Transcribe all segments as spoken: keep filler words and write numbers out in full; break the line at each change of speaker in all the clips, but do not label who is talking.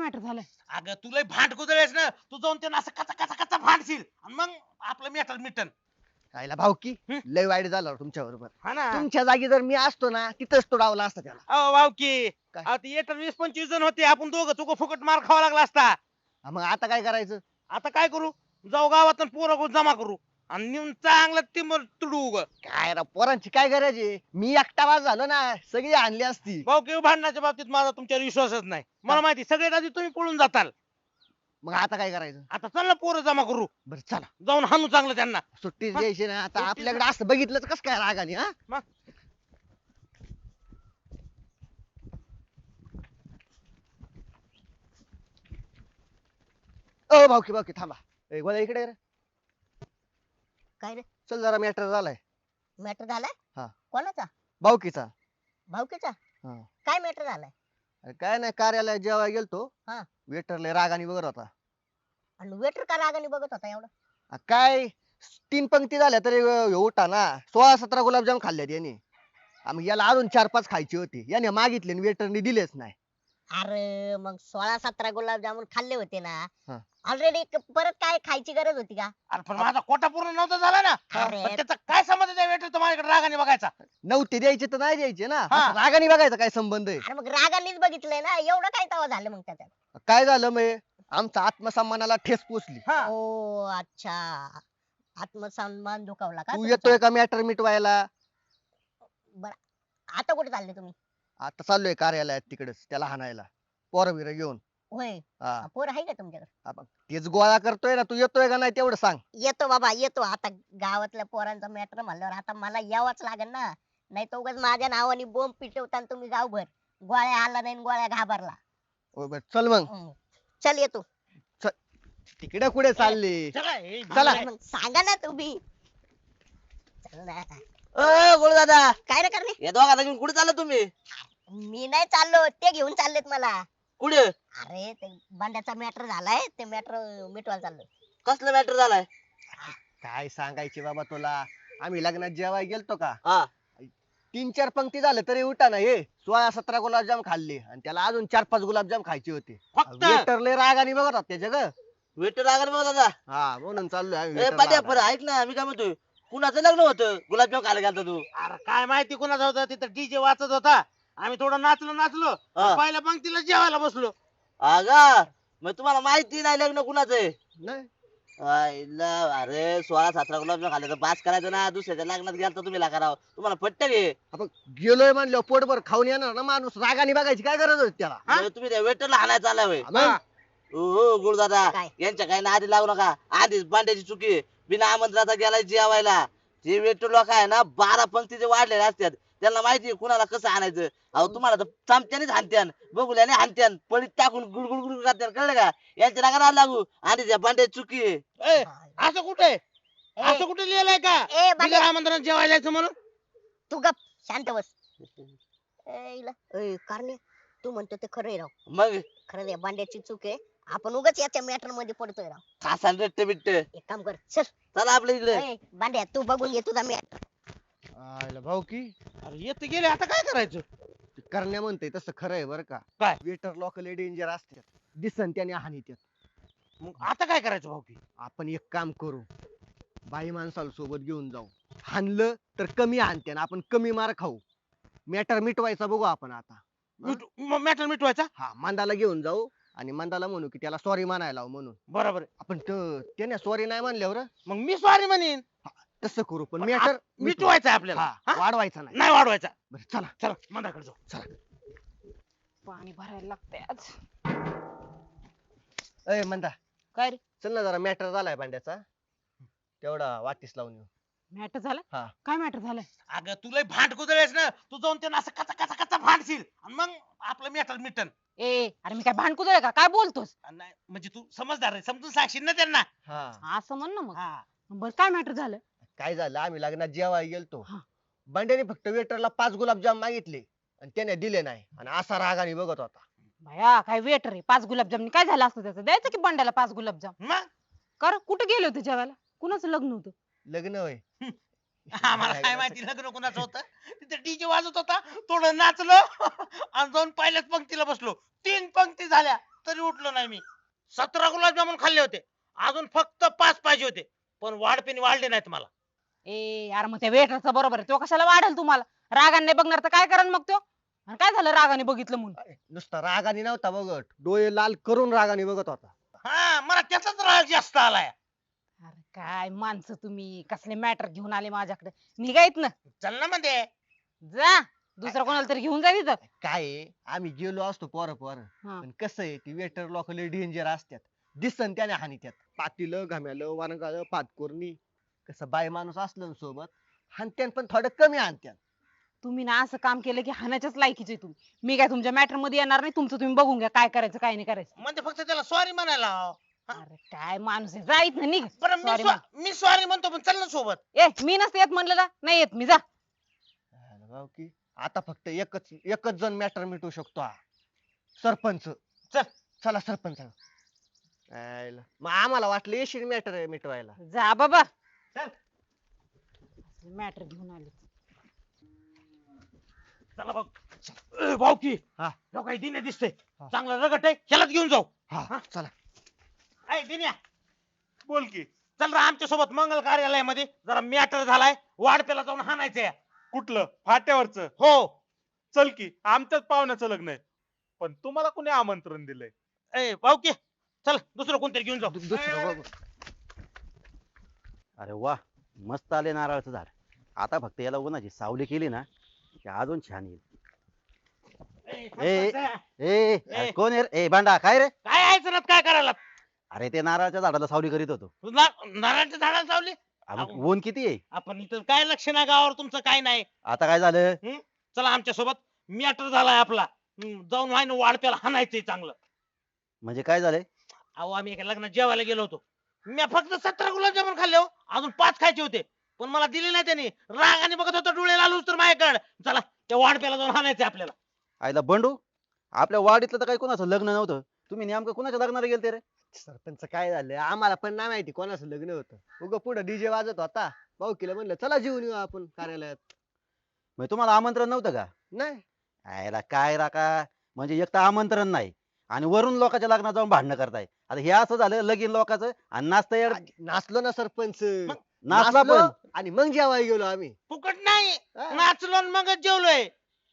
Matter झालंय?
अगं तुला भांड कुदळेस ना, तू जाऊन त्यांना असं कचा कचा कचा भांडशील आणि मग आपलं मॅटर मिटन.
खायला भावकी
हं?
लय वाईट झालं तुमच्या बरोबर.
हा ना.
तुमच्या जागी जर मी असतो ना तिथंच तो डावला असता त्याला.
अहो भाऊकी,
काय?
अहो ते येतात वीस पंचवीस जण होते, आपण दोघं चुक फुकट मार खावा लागला असता.
हा, मग आता काय करायचं?
आता काय करू, जाऊ गावात पोरं जमा करू आणि नेऊन चांगलं टिंबर तुडू उग.
काय राव पोरांची काय गरज आहे? मी एकटा वाज झालो ना सगळी आणली असती.
भाऊकी भांडणाच्या बाबतीत माझा तुमच्यावर विश्वासच नाही. मला माहिती सगळ्यात आधी तुम्ही पळून जाताल.
मग आता काय करायचं?
आता चल ना पोरं जमा करू,
बरं चला
जाऊन हाणू चांगलं त्यांना.
सुट्टीच
हा?
द्यायची ना आता.
सुट्टीच-
आपल्याकडे असं बघितलंच कस काय रागाने हा?
मग
ओ भावकी भावकी थांबा. ए गोळ्या इकडे ये रे.
काय रे
चल जरा मॅटर झालाय
मॅटर झालाय?
हा.
कोणाचा?
भावकीचा.
भाऊकीचा?
हा.
काय मॅटर झालाय?
अरे काय नाही कार्यालयात जेव्हा गेलतो.
हा.
वेटरले रागाने बघत होता.
आणि वेटर का रागाने बघत होता एवढं?
आ, काय तीन पंक्ती झाल्या तरी ह्यो उठा ना. सोळा सतरा गुलाबजाम खाल्ल्यात याने. आ, मग याला अजून चार पाच खायची होती. याने मागितले वेटरने दिलेच नाही.
अरे मग सोळा सतरा गुलाबजामुन खाल्ले होते ना
हा.
ऑलरेडी. परत काय खायची गरज होती का?
अरे पण माझा कोटा पूर्ण नव्हता झाला ना.
अरे.
पण त्याचा काय संबंध त्या वेटर माझ्याकडे रागाने बघायचा.
नव्हते द्यायचे तर नाही द्यायचे ना.
हा.
असं रागाने बघायचा काय संबंध आहे?
अरे मग रागानेच बघितलंय ना, एवढं काय तवा झालं मग त्याच्यात?
काय झालं मग आमचा आत्मसन्मानाला ठेस पोचली.
हा.
ओ अच्छा, आत्मसन्मान दुखावला का
तू
तुमचा?
येतोय का मॅटर मिटवायला?
बरं, आता कुठे चालले तुम्ही?
आता चाललोय कार्यालयात तिकडेच त्याला हाणायला पोरं बिरं घेऊन.
होय.
हा.
पोर आहे का तुमच्याकडे?
आपण तेच गोळा करतोय ना. तू येतोय का नाही तेवढं सांग.
येतो बाबा येतो. आता गावातल्या पोरांचा मॅटर म्हणल्यावर आता मला यावंच लागेल ना. नाही तर उगाच माझ्या नावाने बोंब पिटवता तुम्ही गावभर. गोळ्या आला नाही आणि गोळ्या घाबरला.
ओ बरं, चल मग.
हम्म. चल येतो.
तिकडे कुठे चालले?
चला, हे
चला.
मग सांगा ना तुम्ही. चल ना.
अ गोळ दादा,
काय रे करणे?
या दोघांना घेऊन कुठे चालला तुम्ही?
मी नाही चाललो, ते घेऊन चाललेत मला.
कुठे?
अरे ते बांड्याचा मॅटर झालाय, ते मॅटर मिटवायला चाललोय.
कसलं मॅटर झालाय?
काय सांगायचे बाबा तुला. आम्ही लग्नात जेवाय गेलतो का,
हा.
तीन चार पंक्ती झाले तरी उठा ना. हे सोळा सतरा गुलाबजाम खाल्ले आणि त्याला अजून चार पाच गुलाबजाम खायचे होते.
फक्त
वेटरले रागाने बघत होता त्याच्या ग.
वेटर आगर बघ दादा.
हा म्हणून चाललोय आम्ही
ए
waiter
पाट्या
ला
पर ऐक ना, मी काय म्हणतोय, कुणाचं लग्न होतं गुलाबजाम खायला गेलता तू?
अरे काय माहिती कुणाचा होता, तिथं डीजे वाजत होता. आम्ही थोडं नाचलो नाचलो
हा.
पहिल्या पंक्तीला जेवायला बसलो.
अगा मग तुम्हाला माहिती नाही लग्न कुणाचं आहे?
नाही.
आईला, अरे सोळा सतरा गुलाबजाम खाल्ले तर बास करायचं ना. दुसऱ्याच्या लग्नात गेलता तुम्ही लागाराव, तुम्हाला पट्ट घे.
आपण गेलोय म्हणलं पोटभर खाऊन येणार ना माणूस. रागाने बघायची काय गरज होती त्याला?
हा?
तुम्ही त्या वेटरला हाणायला चालला होय?
मग?
हो गुरुदादा,
काय?
यांच्या काही नादी लागू नका. आधीच बांड्याची चुकी आहे. बिना आमंत्रणाचा गेलाय जेवायला. जे वेटर लोक आहे ना बारा पंक्तीचे वाढलेले असतात, त्यांना माहिती आहे कुणाला कसं आणायचं. अहो तुम्हाला तर चमच्यानेच हाणत्यान, बघुल्याने हाणत्यान, पळीत टाकून गुडगुड गुड करत्यान, कळलं का? यांच्या नका लागू. आणि त्या बांड्याची चुकी आहे.
ए, असं कुठे असं कुठे लिहिलंय का
ए बांड्या,
बिगर आमंत्रण जेवायला जायचं म्हणून?
तू गप शांत बस. ए, इला. ए, कारणे, तू म्हणतो ते खरंय राव.
मग
खरं आहे, बांड्याची चूक आहे. आपण उगाच याच्या मॅटर मध्ये पडतोय राव.
खासान रट्ट बिट्ट.
एक काम कर, चल.
चला आपल्या इकडे.
ए, बांड्या तू बघून घे तुझा मॅटर.
आयला भाऊ की
अरे येत गेले, आता काय करायचं?
करण्या म्हणते तसं खरं आहे बरं का.
काय?
वेटर लोक लय डेंजर असतात. दिसन त्याने हानीत्यात.
मग आता काय करायचं भाऊकी?
आपण एक काम करू, बाई माणसाला सोबत घेऊन जाऊ. हाणलं तर कमी हाणते ना, आपण कमी मार खाऊ. मॅटर मिटवायचा बघू आपण आता.
मॅटर मिटवायचा.
हा, मंदाला घेऊन जाऊ आणि मंदाला म्हणू की त्याला सॉरी म्हणायला लावू म्हणून.
बरोबर आहे.
आपण त- त्याने सॉरी नाही म्हणल्यावर
मग मी सॉरी म्हणेन.
तसं करू. पण
पण
मॅटर
मिटवायचं आहे आपल्याला. हा?
वाढवायचा नाही.
नाही वाढवायचा.
बरं चला.
चला मंदाकडे जाऊ.
पाणी भरायला लागतंय आज.
अय मंदा,
काय रे?
चल ना जरा मॅटर झालाय भांड्याचा, तेवढा वाटीस लावून येऊ.
मॅटर झालं?
हा.
काय मॅटर झालंय?
अगं तुला भांड कुदळेस ना, तू जाऊन त्यांना असं कचा कचा कचा भांडशील आणि मग आपलं मॅटर मिटन.
ए अरे मी काय भांडकुदळ का? काय बोलतोस?
नाही म्हणजे तू समजदार आहे, समजून सांगशील ना त्यांना.
हा.
असं म्हण ना मग.
हा.
बर काय मॅटर झालं?
काय झालं, आम्ही लग्नात जेवायला गेलतो.
हा.
भांड्याने फक्त वेटरला पाच गुलाबजाम मागितले आणि त्याने दिले नाही आणि असा रागाने बघत होता.
भया काय वेटर आहे, पाच गुलाबजाम काय झालं असतं त्याचं? द्यायचं की बंड्याला पाच गुलाबजाम.
मग
कर कुठे गेले होते जेवायला? कुणाचं लग्न होतं?
लग्न होय.
आम्हाला काय माहिती लग्न कोणाचं होतं. तिथे डीजे वाजत होता, थोडं नाचलो आणि जाऊन पहिल्याच पंक्तीला बसलो. तीन पंक्ती झाल्या तरी उठलो नाही मी. सतरा गुलाबजामुन खाल्ले होते, अजून फक्त पाच पाहिजे होते, पण वाढपेने वाढले नाहीत मला.
ए यार मग त्या वेटरचा बरोबर आहे, तो कशाला वाढेल तुम्हाला? रागाने बघणार तर काय करण मग तो? आणि काय झालं रागाने बघितलं म्हणून?
नुसता रागाने नव्हता बघत, डोळे लाल करून रागाने बघत होता.
हा, मला त्याचाच राग जास्त आलाय.
अरे काय माणसं तुम्ही, कसले मॅटर घेऊन आले माझ्याकडे? निघायत ना,
चल ना मध्ये.
जा दुसरा कोणाला तरी घेऊन जा तिथं.
काय आहे, आम्ही गेलो असतो पोरं पोरं,
हा.
पण कसं आहे ती वेटर लोक लय डेंजर असतात. दिसन त्याने हानी त्यात पातीलं घाम्यालं वानगालं पातकोरणी. कसं बाय माणूस असलं ना सोबत, हानत्यान पण थोडं कमी हानत्यान.
तुम्ही ना असं काम केलं की हाणाच्याच लायकीचे तुम्ही. मी काय तुमच्या मॅटर मध्ये येणार नाही, तुमचं तुम्ही बघून घ्या काय करायचं काय नाही करायचं.
म्हणजे फक्त त्याला सॉरी म्हणायला लाव.
अरे काय माणूस आहे, जाईत ना निघ.
बरं मी
Sorry
स्वा- मी सॉरी म्हणतो, पण चल ना सोबत.
ए मी नसते येत म्हणलं ना, नाही येत मी, जा.
अरे भाऊ की आता फक्त एकच एकच जण मॅटर मिटवू शकतो हा, सरपंच.
चल.
चला सरपंच. आयला. मग आम्हाला वाटलं येशील मॅटर मिटवायला.
जा बाबा,
चल.
मॅटर घेऊन आले.
चला भाऊ. ए, भाऊ की
हा.
जाऊ काही दिने दिसते,
हा.
चांगला रगट आहे, ह्यालाच घेऊन जाऊ.
हा चला.
ऐ दिन्या, बोल की. चल रे आमच्या सोबत मंगल कार्यालयामध्ये जरा मॅटर झालाय, वाढपेला जाऊन हाणायचंय.
कुठलं फाट्यावरच?
हो.
चल की, आमच्याच पाहुण्याचं लग्न आहे. पण तुम्हाला कोणी आमंत्रण दिलंय?
ए भाऊ की चल, दुसरं कोणतरी घेऊन जाऊ.
दु- दुसरं बघू.
अरे वा, मस्त आले नारळाचं झाड. आता फक्त याला उन्हाची सावली केली ना की अजून छान येईल.
ए,
ए,
सरपंच,
ए अरे कोण आहे रे? ए बांडा काय रे?
काय यायचं ना काय करायला?
अरे ते नारळाच्या झाडाला सावली करीत होतो.
ना- नारळाच्या झाडाला चावली.
अरे
अहो.
ऊन किती आहे?
आपण इथं काय लक्ष ना गावावर तुमचं काय नाही.
आता काय झालं?
चला आमच्या सोबत, मॅटर झालाय आपला. हम्म, जाऊन व्हाय वाढप्याला हाणायचंय चांगलं.
म्हणजे काय झालंय?
अहो आम्ही एका लग्नात जेवायला गेलो होतो, मी फक्त सतरा गुलाबजामुन खाल्ले हो, अजून पाच खायचे होते, पण मला दिले नाही त्यांनी. रागाने बघत होता, डोळे लालूच तर माझ्याकडे. चला त्या वाढप्याला जाऊन हाणायचंय आपल्याला.
आईला बंडू, आपल्या वाडीतलं तर काही कोणाचं लग्न नव्हतं, तुम्ही नेमकं कोणाच्या लग्नाला गेलते रे?
सरपंच काय झालं आम्हाला पण नाही माहिती कोणाचं लग्न होतं. उग पुढे डीजे वाजत होता, भाऊ केलं म्हणलं चला जेवून येऊ आपण कार्यालयात.
म्हणजे तुम्हाला आमंत्रण नव्हतं का?
नाही
आईला काय राका, म्हणजे एक तर आमंत्रण नाही आणि वरून लोकांच्या लग्नात जाऊन भांडणं करताय. आता हे असं झालं लगीन लोकांचं आणि नाचता येड
नाचलो ना सरपंच.
नाचला
नाचलो
पण.
आणि मग जेवायला गेलो आम्ही.
फुकट नाही,
हा.
नाचलो आणि मगच जेवलोय.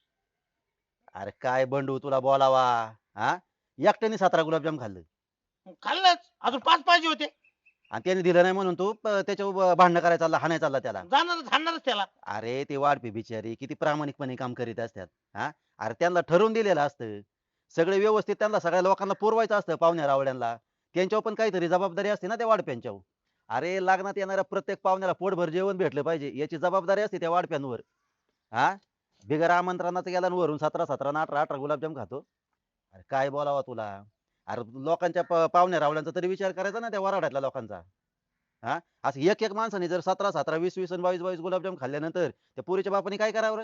अरे काय बंडू तुला बोलावा, हा एकट्याने सतरा गुलाबजाम खाल्लं
खाल्लंच, अजून पाच पाहिजे होते.
आणि त्याने दिलं नाही म्हणून तू प- त्याच्यावर भांडणं करायला चालला, हाणायला चालला त्याला.
जाणारच हाणणारच त्याला.
अरे ते वाढपी बिचारी किती प्रामाणिकपणे काम करीत असतात. हा अरे त्यांना ठरवून दिलेलं असतं सगळे व्यवस्थित, त्यांना सगळ्या लोकांना पुरवायचं असतं, पाहुण्या रावड्यांना. त्यांच्यावर पण काहीतरी जबाबदारी असते ना त्या वाढप्यांच्यावर. अरे लग्नात येणाऱ्या प्रत्येक पाहुण्याला पोटभर जेवण भेटलं पाहिजे याची जबाबदारी असते त्या वाढप्यांवर. हा बिगर आमंत्रणाचं गेला आणि वरून सतरा सतरा ना अठरा अठरा गुलाबजाम खातो. अरे काय बोलावा तुला. अरे लोकांच्या प- पाहुण्या रावड्यांचा तरी विचार करायचा ना त्या वराड्यातल्या लोकांचा. हा असं एक एक माणसाने जर सतरा सतरा वीस वीस आणि बावीस बावीस गुलाबजाम खाल्ल्यानंतर त्या पुरीच्या बापाने काय करावं रे?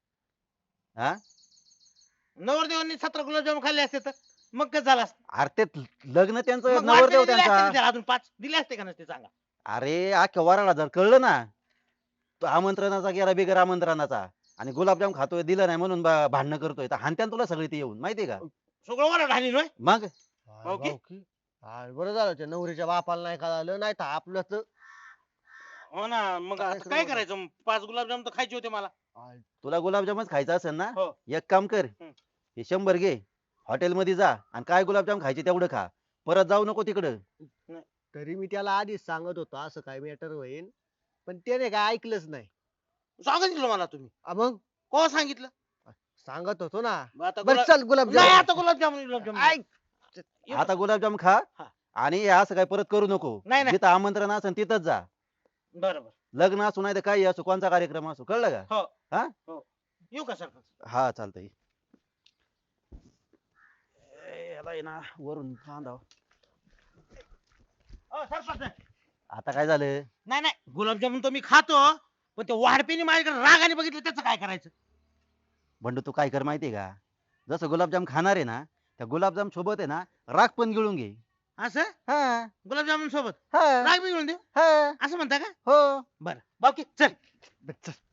हा
नवरदेवांनी सतरा गुलाबजामुन खाल्ले असते तर मग कसं झालं असतं?
अरे ते लग्न त्यांचं
मग
नवरदेव
वाढपेने दिले असते ना
त्यांचा.
त्याला, अजून पाच दिले असते का नसते सांगा?
अरे अख्ख्या वराडा जर कळलं ना तो आमंत्रणाचा गेला बिगर आमंत्रणाचा आणि गुलाबजाम खातोय दिलं नाही म्हणून बा- भांडणं करतोय, तर हाणत्यान तुला सगळी ती येऊन माहितीये का?
सगळं वराड हाणीन होय.
मग
भाऊ की?
भाऊ की? हा, बरं झालं त्या नवरीच्या बापाला नाही कळालं, नाही तर आपलं तर
हो ना, मग आता काय करायचं मग? पाच गुलाबजाम तर खायचे होते मला.
तुला गुलाबजामच खायचा असेल ना,
हो.
एक काम कर,
हम्म.
हे शंभर घे, हॉटेल मध्ये जा आणि काय गुलाबजाम खायचे तेवढं खा, परत जाऊ नको तिकडं.
तरी मी त्याला आधीच सांगत होतो असं काय मॅटर होईल, पण त्याने काय ऐकलंच नाही.
सांगितलं मला तुम्ही?
आ मग
को सांगितलं?
सांगत होतो ना.
मग आता
बरं
गुलाब-
चल
नाही
गुलाबजाम.
आता गुलाबजामुन गुलाबजामुन.
ऐक.
आता गुलाबजाम खा
हा.
आणि हे असं काय परत करू नको.
नाही, नाही.
जिथं आमंत्रण असेल तिथंच जा.
बरोबर.
लग्न असू नाही तर काही असो, कोणता कार्यक्रम असो, कळलं का?
येऊ का सरपंच?
हा चालतंय. ए, याला आहे ना वरून बांधावं.
अ, सरपंच
आता काय झालं?
नाही नाही, गुलाबजामुन तर मी खातो, पण ते वाढपीने माझ्याकडे रागाने बघितलं, त्याचं काय करायचं?
बंडू तू काय कर माहितीये का, जसं गुलाबजाम खाणार आहे ना त्या गुलाबजाम सोबत आहे ना राख पण गिळून घे.
असं
हा
गुलाबजामुन सोबत
हा
राग बी घेऊन देऊ
हा
असं म्हणता का?
हो.
बरं बाकी चल.
बरं, चल.